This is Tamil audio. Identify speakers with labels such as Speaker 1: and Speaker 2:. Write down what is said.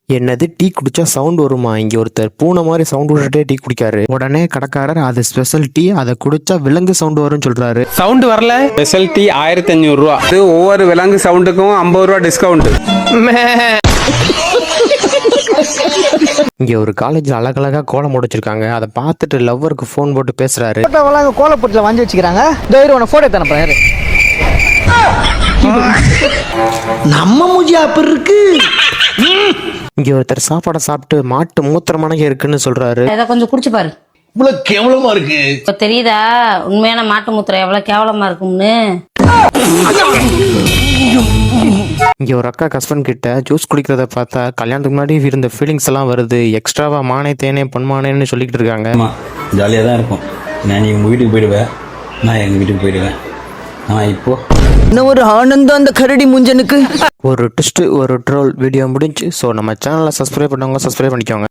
Speaker 1: என்னது டீ குடிச்சா சவுண்ட் வருமா? இங்க ஒருத்தர் பூனை மாதிரி சவுண்ட் விட்டுட்டே டீ குடிக்காரு. உடனே கடைக்காரர் அது ஸ்பெஷல் டீ, அதை குடிச்சா விலங்கு சவுண்ட் வரும்னு சொல்றாரு.
Speaker 2: சவுண்ட் வரல. ஸ்பெஷல் டீ 1500 ரூபா. இது ஒவ்வொரு விலங்கு சவுண்டுக்கும் 50 ரூபா டிஸ்கவுண்ட்.
Speaker 1: இங்க ஒரு காலேஜ்ல அழகழகா கோலம் முடிச்சிருக்காங்க. அதை பார்த்துட்டு லவ்வருக்கு போன் போட்டு பேசுறாரு.
Speaker 3: கோலப்பொட்டில வாங்கி வச்சுக்கிறாங்க. போட்டோ தானே நம்ம மூஜியா அப்படி இருக்கு.
Speaker 1: இங்க ஒருத்தர் சாப்பாடை சாப்பிட்டு மாட்டு மூத்திரமான இருக்குன்னு சொல்றாரு.
Speaker 4: இதை கொஞ்சம் குடிச்சு பாரு.
Speaker 5: இவ்வளவு கேவலமா இருக்கு.
Speaker 4: இப்ப தெரியுதா உண்மையான மாட்டு மூத்திரம் எவ்வளவு கேவலமா இருக்கும்னு?
Speaker 1: இங்க ஒரு அக்கா ஹஸ்பண்ட் கிட்ட ஜூஸ் குடிக்கிறத பார்த்தா கல்யாணத்துக்கு முன்னாடி இருந்த ஃபீலிங்ஸ் எல்லாம் வருது. எக்ஸ்ட்ராவா மானே தேனே பொன்மானேன்னு சொல்லிக்கிட்டு இருக்காங்க.
Speaker 6: ஜாலியா தான் இருக்கும். நான் உங்க வீட்டுக்கு போயிடுவேன், நான் எங்க வீட்டுக்கு போயிடுவேன். ஆனா இப்போ
Speaker 3: இன்னும் ஒரு ஆனந்தம் அந்த கரடி முஞ்சனுக்கு.
Speaker 1: ஒரு ட்விஸ்ட், ஒரு ட்ரோல் வீடியோ முடிஞ்சு. ஸோ நம்ம சேனலை சப்ஸ்கிரைப் பண்ணவங்க சப்ஸ்கிரைப் பண்ணிக்கோங்க.